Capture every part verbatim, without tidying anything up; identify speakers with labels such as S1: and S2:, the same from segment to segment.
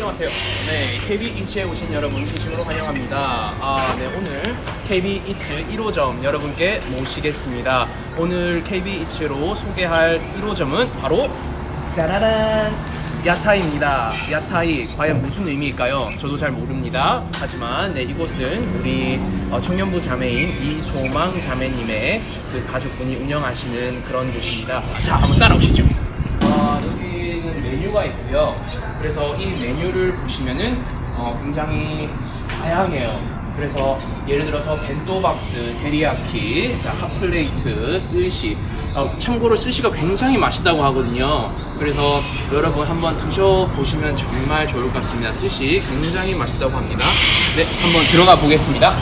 S1: 안녕하세요. 네, 케이비 이츠에 오신 여러분 진심으로 환영합니다. 아, 네, 오늘 케이비 이츠 일 호점 여러분께 모시겠습니다. 오늘 케이비 이츠로 소개할 일 호점은 바로 짜라란! 야타이입니다. 야타이 과연 무슨 의미일까요? 저도 잘 모릅니다. 하지만 네, 이곳은 우리 어, 청년부 자매인 이소망 자매님의 그 가족분이 운영하시는 그런 곳입니다. 자, 한번 따라오시죠. 어, 여기는 메뉴가 있고요. 그래서 이 메뉴를 보시면은 어, 굉장히 다양해요. 그래서 예를 들어서 벤토박스, 데리야키, 자, 핫플레이트, 스시. 어, 참고로 스시가 굉장히 맛있다고 하거든요. 그래서 여러분 한번 드셔보시면 정말 좋을 것 같습니다. 스시 굉장히 맛있다고 합니다. 네, 한번 들어가 보겠습니다.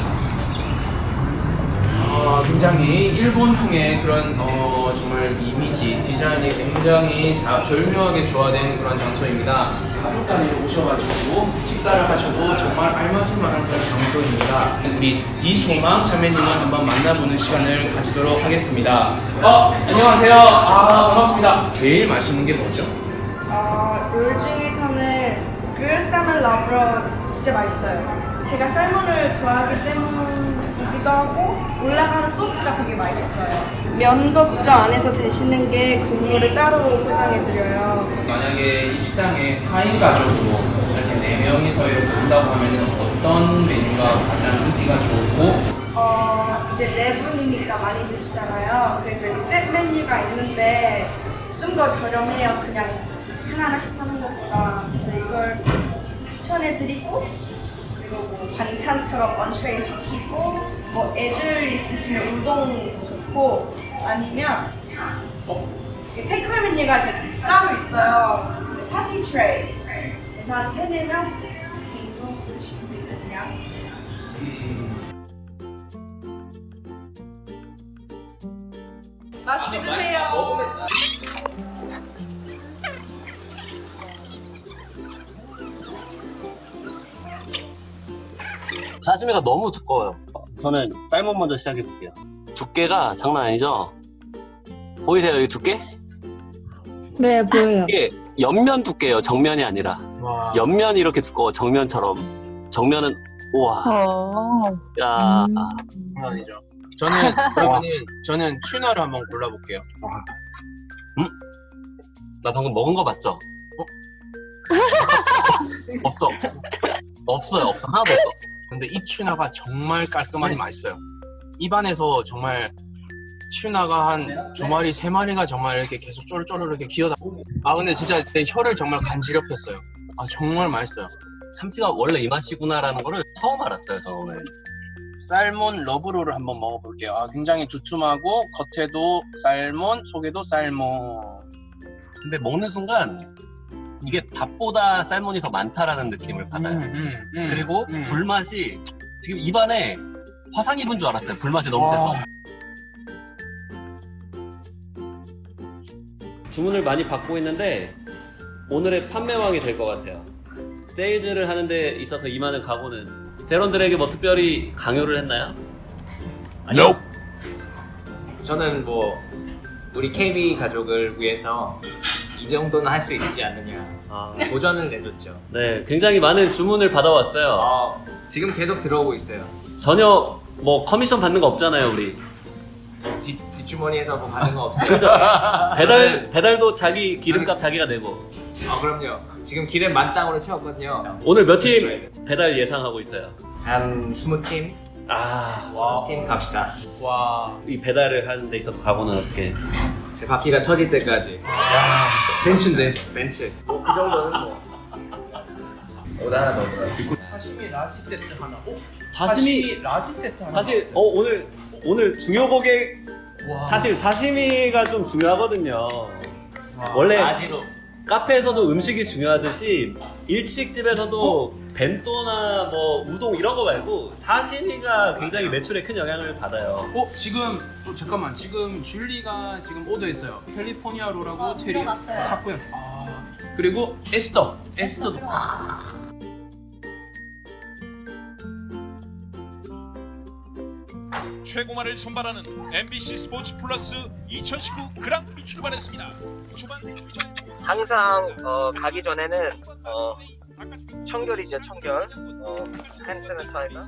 S1: 어, 굉장히 일본풍의 그런 어, 정말 이미지, 디자인이 굉장히 자, 절묘하게 조화된 그런 장소입니다. 가족 단위로 오셔가지고 식사를 하셔도 정말 알맞을만한 그런 장소입니다. 우리 이소망 자매님을 한번 만나보는 시간을 가지도록 하겠습니다. 어, 안녕하세요. 아, 반갑습니다. 제일 맛있는 게 뭐죠?
S2: 어, 롤 중에서는 그릇사면 러브로 진짜 맛있어요. 제가 살몬을 좋아하기 때문이기도 하고 올라가는 소스가 되게 맛있어요. 면도 걱정 안 해도 되시는 게 국물을 따로 포장해드려요.
S1: 만약에 이 식당에 사 인 가족으로 이렇게 네 명이서 이렇게 온다고 하면 어떤 메뉴가 가장 인기가 좋고
S2: 어, 이제 네 분이니까 많이 드시잖아요. 그래서 이 셋 메뉴가 있는데 좀 더 저렴해요. 그냥 하나하나씩 사는 것보다. 그래서 이걸 추천해드리고 그리고 뭐 반찬처럼 언트레이 시키고 뭐 애들 있으시면 우동도 좋고 아니면 어, 테이크away 메뉴가 이렇게 따로 있어요. 파티 트레이. 그래서 한 세네 명 정도 드실 수 있는 양. 맛있게 드세요.
S3: 사시미가 너무 두꺼워요. 저는 쌀몬 먼저 시작해 볼게요. 두께가 장난 아니죠? 보이세요, 이 두께?
S4: 네, 보여요.
S3: 이게 옆면 두께예요, 정면이 아니라.
S1: 와.
S3: 옆면이 이렇게 두꺼워, 정면처럼. 정면은 우와.
S4: 어.
S3: 야.
S4: 음.
S1: 아니죠. 저는 그러면은 저는 튜나를 한번 골라볼게요.
S3: 나 방금 먹은 거 맞죠? 어? 없어. 없어요, 없어. 하나도 없어.
S1: 근데 이 튜나가 정말 깔끔하니 맛있어요. 입안에서 정말 튜나가 한 두 마리, 세 마리가 정말 이렇게 계속 쪼르쪼르 이렇게 기어다. 아 근데 진짜 내 혀를 정말 간지럽혔어요. 아 정말 맛있어요.
S3: 참치가 원래 이 맛이구나라는 거를 처음 알았어요, 저 오늘.
S1: 살몬 러브롤을 한번 먹어볼게요. 아 굉장히 두툼하고 겉에도 살몬, 속에도 살몬.
S3: 근데 먹는 순간 이게 밥보다 쌀몬이 더 많다라는 느낌을 받아요.
S1: 음, 음, 음,
S3: 그리고
S1: 음.
S3: 불맛이 지금 입안에 화상 입은 줄 알았어요. 불맛이 너무
S1: 와.
S3: 세서. 주문을 많이 받고 있는데 오늘의 판매왕이 될 것 같아요. 세일즈를 하는 데 있어서 임하는 각오는 세런들에게 뭐 특별히 강요를 했나요?
S5: 아니요. 저는 뭐 우리 케이비 가족을 위해서 이 정도는 할 수 있지 않느냐
S3: 아,
S5: 도전을 내줬죠.
S3: 네, 굉장히 많은 주문을 받아왔어요.
S5: 어, 지금 계속 들어오고 있어요.
S3: 전혀 뭐 커미션 받는 거 없잖아요, 우리.
S5: 뒷, 뒷주머니에서 뭐 받는 거 없어요.
S3: 그죠? 배달, 배달도 자기 기름값 자기가 내고.
S5: 아 그럼요. 지금 기름 만땅으로 채웠거든요.
S3: 오늘 몇 팀 배달 예상하고 있어요?
S5: 한 이십 팀?
S3: 아,
S1: 와.
S5: 팀 갑시다.
S1: 와.
S3: 이 배달을 하는 데 있어서 각오는 어떻게?
S5: 제 바퀴가 터질 때까지.
S1: 벤츠인데.
S5: 벤츠. 뭐 그 정도는 뭐. 오다 하나 더 들어요.
S1: 사시미 라지 세트 하나. 오?
S3: 사시미
S1: 라지 세트 하나.
S3: 사실
S1: 나왔어요.
S3: 어 오늘 오늘 중요 고객
S1: 와.
S3: 사실 사시미가 좀 중요하거든요.
S5: 와,
S3: 원래
S5: 아지로.
S3: 카페에서도 음식이 중요하듯이 일식집에서도 벤또나 뭐 우동 이런 거 말고 사시미가 굉장히 매출에 큰 영향을 받아요.
S1: 어 지금 어, 잠깐만 지금 줄리가 지금 오더했어요. 캘리포니아 롤하고
S2: 어,
S1: 테리
S2: 들어갔어요.
S1: 탔고요. 아 그리고 에스더 에스더도.
S6: 최고만을 선발하는 엠비씨 스포츠 플러스 이천십구 그랑프리 출발했습니다. 초반 초반
S5: 항상 어, 가기 전에는 어, 청결이죠, 청결. 어, hand sanitizer.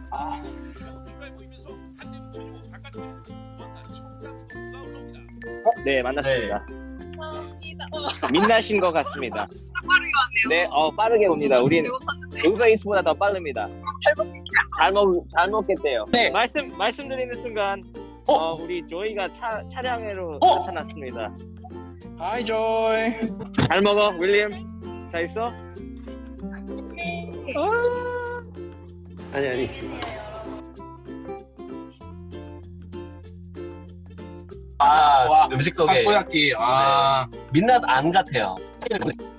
S5: 네, 만났습니다. 민낯인 것 같습니다. 빠르게 왔네요. 네, 어, 빠르게 옵니다. 우린 우베이스보다 더 빠릅니다. 잘 먹, 잘 먹겠대요.
S1: 네.
S5: 말씀, 말씀드리는 순간,
S1: 어?
S5: 어, 우리 조이가 차, 차량으로
S1: 어?
S5: 나타났습니다.
S1: 하이 조이.
S5: 잘 먹어, 윌리엄. 잘 있어?
S3: 아니 아니. 아
S1: 와,
S3: 음식 소개.
S1: 타코야끼. 아.
S3: 민낯 안 같아요.